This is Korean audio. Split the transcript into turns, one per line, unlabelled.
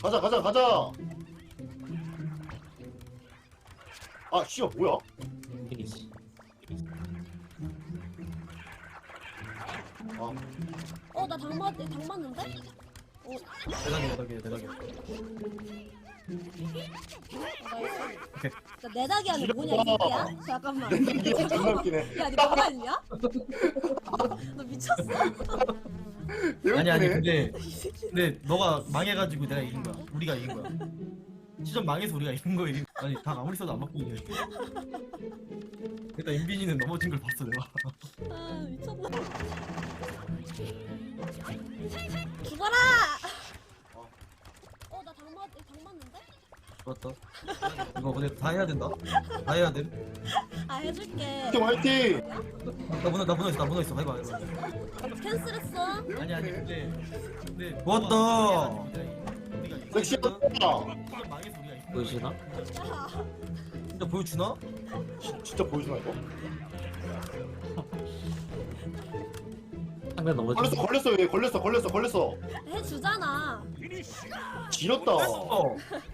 가자 가자 가자. 아 씨야 뭐야?
이기지.
아
나 당 맞는데?
대박이야.
나 내다기 안에 뭐냐 이 새끼야? 잠깐만.
이게 존나 웃기네.
야, 니 뭐하냐? 너 미쳤어?
아니 근데 너가 망해가지고 내가 이긴 거야. 우리가 이긴 거야. 시전 망해서 우리가 이긴 거야. 아니 당 아무리 써도 안 바뀌네. 일단 인빈이는 넘어진 걸 봤어 내가.
아, 미쳤나? 죽어라! 나 당 맞는데?
좋았다. 이거 근데 다 해야 된다. 다 해야 돼.
아, 해줄게.
화이팅 화이팅.
나 문어 있어. 해봐.
캔슬했어.
아니 근데 좋았다.
섹시하다.
시전 망해서 우리가 이긴 거야.
보여주나?
야,
진짜 보여주나?
진짜 보여주나 이거?
상대 넘어지.
걸렸어 얘 걸렸어.
해주잖아.
지렸다.
어.